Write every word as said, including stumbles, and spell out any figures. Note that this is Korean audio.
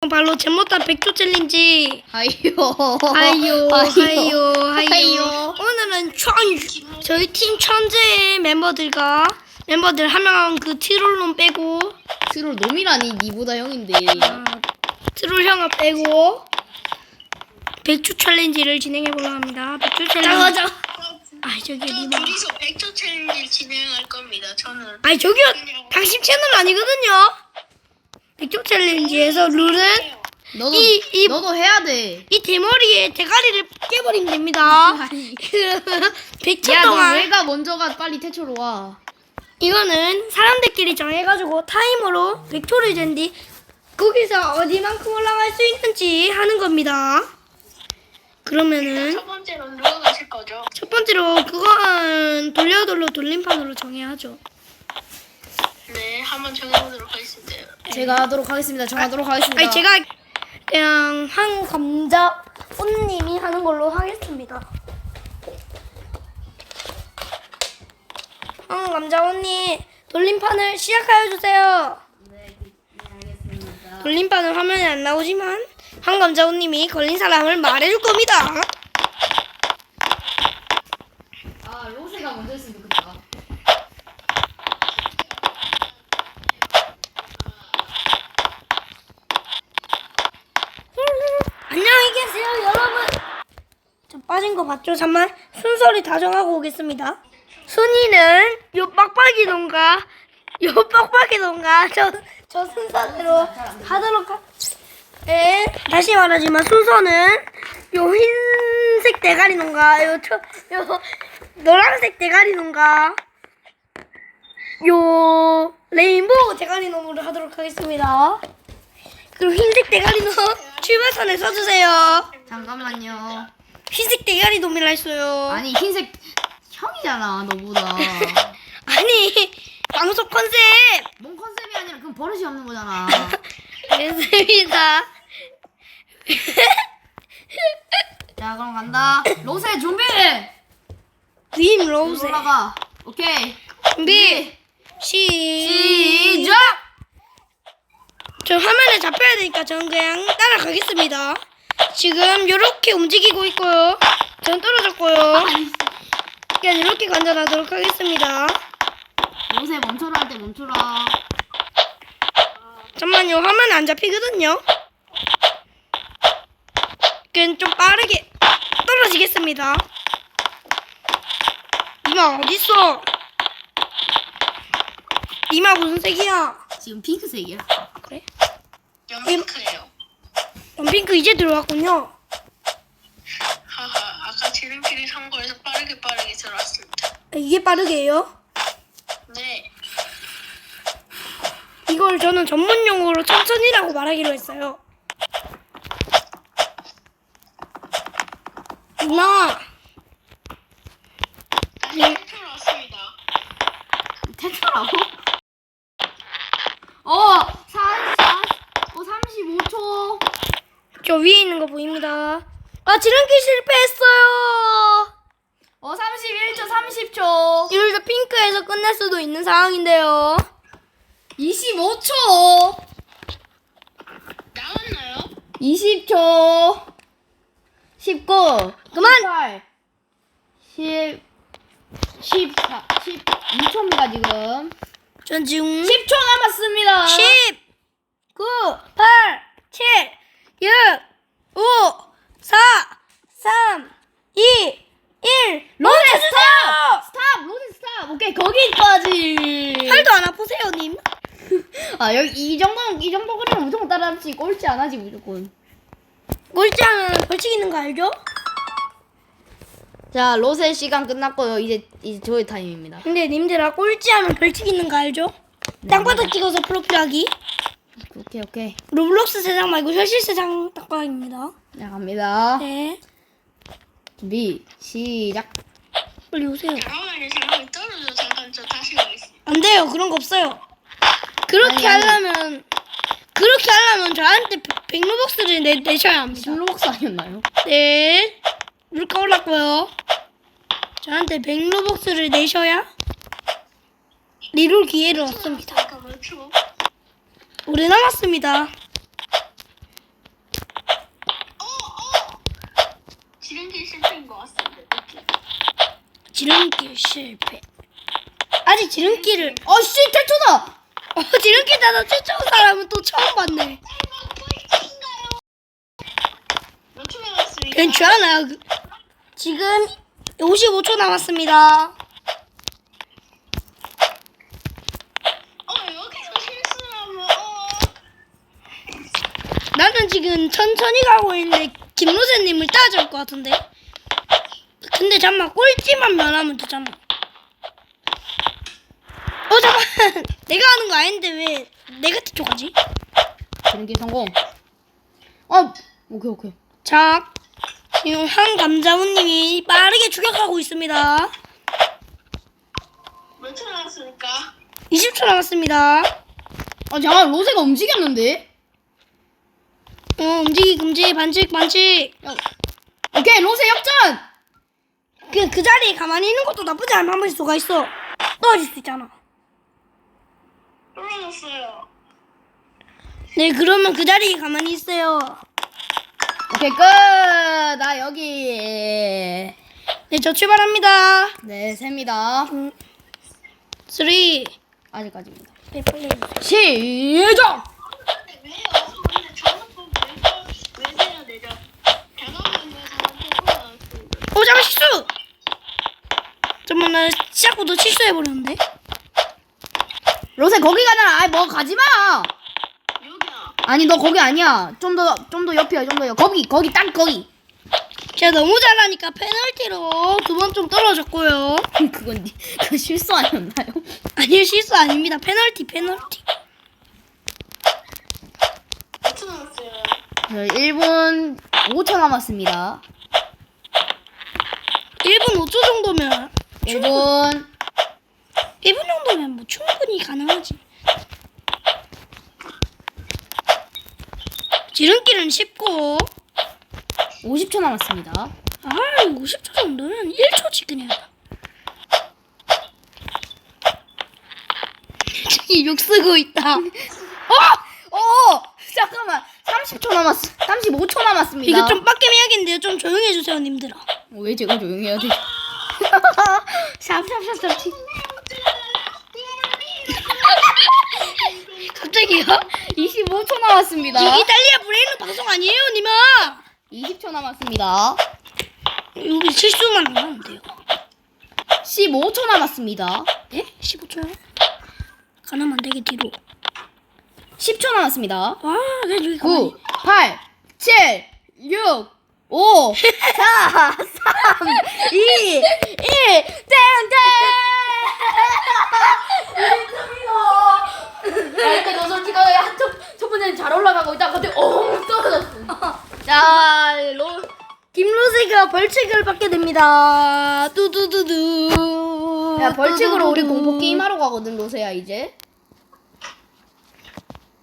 바로 제모타 백조 챌린지. 하이요. 하이요, 하이요, 하이요. 하이요. 오늘은 천 저희 팀 천재의 멤버들과 멤버들 한 명 그 트롤론 빼고 트롤 놈이라니 니보다 형인데. 아, 트롤 형아 빼고 백조 챌린지를 진행해 보려 합니다. 백조 챌린지. 맞아. 아 저기 저 니마. 둘이서 백조 챌린지 진행할 겁니다. 저는 아니 저기요 당신 채널 아니거든요. 백조 챌린지에서 룰은 너도 이- 이- 너도 해야 돼. 이 대머리에 대가리를 깨버리면 됩니다. 아니. 그러면 백 초 야, 너 동안 왜가 먼저가 빨리 태초로 와. 이거는 사람들끼리 정해가지고 타이머로 백 초를 잰 뒤 거기서 어디만큼 올라갈 수 있는지 하는 겁니다. 그러면은 첫 번째로 누가 가실 거죠? 첫 번째로 그건 돌려 돌려 돌림판으로 정해야죠. 네, 한번 정해보도록 하겠습니다. 제가 하도록 하겠습니다. 정하도록 하겠습니다. 아니 제가 그냥 한 감자 손님이 하는 걸로 하겠습니다. 한 감자 언니 돌림판을 시작하여 주세요. 네, 알겠습니다. 돌림판은 화면에 안 나오지만 한 감자 언님이 걸린 사람을 말해줄 겁니다. 아, 로세가 먼저 했으면 좋겠다. 안녕히 계세요 여러분. 저 빠진 거 봤죠? 잠만 순서를 다 정하고 오겠습니다. 순위는 요 빡빡이 농가 요 빡빡이 농가 저, 저 순서대로 하도록 하... 네, 다시 말하지만 순서는 요 흰색 대가리 농가 요, 저, 요 노란색 대가리 농가 요 레인보우 대가리 놈으로 하도록 하겠습니다. 그리고 흰색 대가리 놈 출발선에 서주세요. 잠깐만요. 흰색 대가리 놈이라 했어요. 아니, 흰색 형이잖아, 너보다. 아니 방송 컨셉 뭔 컨셉이 아니라 그건 버릇이 없는 거잖아. 됐습니다. 자, 그럼 간다. 로세 준비. 님 로우세 올라가. 오케이. 준비 시 시작. 저 화면에 잡혀야 되니까 저는 그냥 따라가겠습니다. 지금 요렇게 움직이고 있고요. 전 떨어졌고요. 그냥 이렇게 관전하도록 하겠습니다. 로세 멈춰라 할 때 멈춰라. 잠만요. 화면에 안 잡히거든요. 그냥 좀 빠르게 떨어지겠습니다. 니마 어딨어? 니마 무슨 색이야? 지금 핑크색이야. 그래? 연핑크예요. 원핑크 이제 들어왔군요. 하하, 아까 지름길이 선거에서 빠르게 빠르게 들어왔습니다. 아, 이게 빠르게 해요? 네, 이걸 저는 전문 용어로 천천히라고 말하기로 했어요. 누나, 다시 태초로 왔습니다. 태초라고? 어, 사십사, 어, 삼십오 초. 저 위에 있는 거 보입니다. 아, 지름길 실패했어요. 어, 삼십일 초, 삼십 초. 이러다 핑크에서 끝날 수도 있는 상황인데요. 이십오 초. 나왔나요? 이십 초. 십구. 그만! 십팔. 십. 십사. 십이 초입니다, 지금. 전 지금 십 초 남았습니다. 십, 구, 팔, 칠, 육, 오, 사, 삼, 이, 일. 로제 멈춰주세요! 스탑! 스탑! 로제 스탑! 오케이, 거기까지. 팔도 안 아프세요, 님? 아, 여기 이 정도, 이 정도 그리면 무조건 따라잡지. 꼴찌 안 하지, 무조건. 꼴찌하면 벌칙 있는 거 알죠? 자, 로세 시간 끝났고요. 이제, 이제 저의 타임입니다. 근데 님들아 꼴찌하면 벌칙 있는 거 알죠? 땅바닥 찍어서 프로필하기. 오케이, 오케이. 로블록스 세상 말고 현실 세상 딱방입니다. 자, 갑니다. 네. 준비, 시작. 빨리 오세요. 잠깐만요, 잠깐만 떨어져. 잠깐 저 다시 가겠습니다. 안 돼요. 그런 거 없어요. 그렇게 아니, 아니. 하려면 그렇게 하려면 저한테 백로벅스를 내, 내셔야 합니다. 슬로박스 아니었나요? 네. 물가 올랐고요. 저한테 백로벅스를 내셔야 리롤 기회를 얻습니다. 잠깐 몇 초? 오래 남았습니다. 지름길 실패. 아직 지름길을 어씨 태초다. 어 지름길 따서 쫓아온 사람은 또 처음 봤네. 몇 초 남았습니까? 괜찮아. 그- 지금 오십오 초 남았습니다. 어 여기서 실수하면 어. 나는 지금 천천히 가고 있는데 김로세님을 따라잡을 것 같은데. 근데 잠만 꼴찌만 면하면 되잖아. 어 잠깐 내가 하는 거 아닌데 왜 내가 뒤쪽하지? 지름길 성공. 어 오케이 오케이. 자 지금 한 감자우님이 빠르게 추격하고 있습니다. 몇 초 남았습니까? 이십 초 남았습니다. 아 잠깐 로제가 움직였는데. 어 움직이 금지 반칙 반칙. 야, 오케이 로제 역전. 그, 그 자리에 가만히 있는 것도 나쁘지 않은 한 수가 있어. 떨어질 수 있잖아. 떨어졌어요. 네 그러면 그 자리에 가만히 있어요. 오케이 끝. 나 여기. 네 저 출발합니다. 네 셉니다. 쓰리. 아직까지입니다. 네 빨리 해주세요. 시작. 근데 왜요? 근데 저는 또왜 왜 해야 되죠? 대감을 위해서 한번 나왔습니다. 어 잠깐 실수. 잠깐만 나 시작부터 실수해버렸는데. 로제 거기 가잖아. 아이 뭐 가지 마. 여기야. 아니 너 거기 아니야. 좀 더 좀 더 옆이야. 좀 더 옆. 거기 거기 딱 거기. 제가 너무 잘하니까 페널티로 두 번 좀 떨어졌고요. 그건 니- 그건 실수 아니었나요? 아니요 실수 아닙니다. 페널티 페널티. 몇 초 남았어요? 네, 일 분 오 초 남았습니다. 일 분 오 초 정도면 일 분. 일 분 정도면 뭐 충분히 가능하지. 지름길은 쉽고 오십 초 남았습니다. 아 오십 초 정도면 일 초씩 그냥. 저기 욕 쓰고 있다. 어! 어! 잠깐만. 삼십 초 남았어. 삼십오 초 남았습니다. 이거 좀 빡겜 해야겠는데요. 좀 조용히 해주세요 님들아. 어, 왜 제가 조용히 해야 돼? 샵샵샵샵. 갑자기요? 이십오 초 남았습니다. 이 이탈리아 브레인은 방송 아니에요 님아. 이십 초 남았습니다. 여기 실수만 안 하면 돼요. 십오 초 남았습니다. 예? 십오 초요? 가능하면 안 되게 뒤로. 십 초 남았습니다. 와 그냥 여기 가만히. 구, 팔, 칠, 육, 오, 사, 삼, 이, 일, 땡땡! 야, 근데 너 솔직하게 한 첫, 첫 번째는 잘 올라가고 있다가 갑자기 엉 떨어졌어. 자, 로, 김로세가 벌칙을 받게 됩니다. 뚜두두두. 야, 벌칙으로 우리 뚜두두두. 공포 게임하러 가거든, 로세야, 이제.